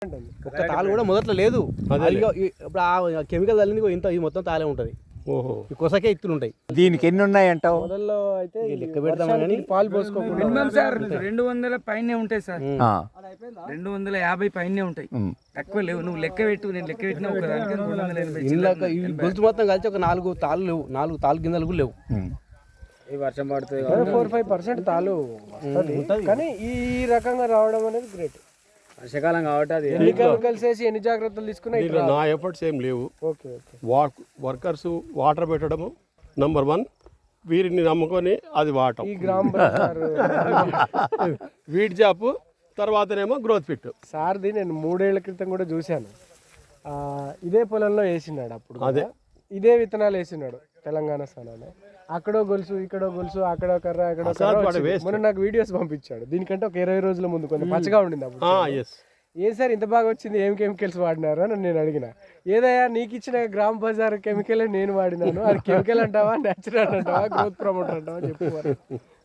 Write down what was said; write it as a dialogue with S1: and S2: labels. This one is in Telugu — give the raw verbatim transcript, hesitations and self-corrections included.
S1: ఒక్క తాలు కూడా మొదట్లో లేదు. ఇప్పుడు ఆ కెమికల్ తల్లింది ఇంత ఇది మొత్తం తాలే ఉంటుంది. ఓహో కొసకే ఇత్తులు ఉంటాయి.
S2: దీనికి ఎన్ని ఉన్నాయి అంటావు?
S3: మొదల్లో అయితే
S1: లెక్క పెడతామని
S3: పాలు పోసుకోకుండా
S4: మినిమం సార్ రెండు వందల పైనే ఉంటాయి సార్. రెండు వందల యాభై పైనే ఉంటాయి, తక్కువ లేవు. నువ్వు లెక్క పెట్టు, నేను లెక్క పెట్టినా ఒక దానికి రెండు వందల ఎనభై
S1: ఇందాక ఈ గొలుసు మొత్తం కలిసి ఒక నాలుగు తాళ్ళు లేవు, నాలుగు తాళ్ళు గింజలు కూడా లేవు.
S4: ఈ వర్షం పడుతుంది
S3: ఫోర్ ఫైవ్ పర్సెంట్ తాలు వస్తుంది. కానీ ఈ రకంగా రావడం అనేది గ్రేట్.
S4: వర్షాకాలం కాబట్టి అది
S3: ఎన్ని కెమికల్స్ వేసి ఎన్ని జాగ్రత్తలు తీసుకున్నా
S5: దీంట్లో నా ఎఫర్ట్స్ ఏం లేవు.
S3: Okay okay
S5: walk workers water పెట్టడము నంబర్ వన్, వీరిని నమ్ముకొని అది వాడటం,
S3: ఈ గ్రామ
S5: వీడ్ జాపు, తర్వాతనేమో గ్రోత్ ఫిట్.
S3: సార్ది నేను మూడేళ్ల క్రితం కూడా చూశాను. ఆ, ఇదే పొలంలో వేసినాడు అప్పుడు
S5: అదే.
S3: ఇదే విత్తనాలు వేసినాడు తెలంగాణ స్థానాన్ని. అక్కడో గొలుసు ఇక్కడో గొలుసు అక్కడో కర్ర అక్కడో కర్ర వచ్చింది. మొన్న నాకు వీడియోస్ పంపించాడు. దీనికంటే ఒక ఇరవై రోజుల ముందు కొంచెం పచ్చగా ఉండింది అప్పుడు.
S5: ఎస్
S3: ఏం సార్ ఇంత బాగా వచ్చింది, ఏం కెమికల్స్ వాడినారు అని నేను అడిగిన. ఏదయ్యా నీకు ఇచ్చిన గ్రామ్ బజార్ కెమికల్ నేను వాడినాను, అది కెమికల్ అంటావా, న్యాచురల్ అంటావా, గ్రోత్ ప్రమోటర్ అంటావా చెప్పు.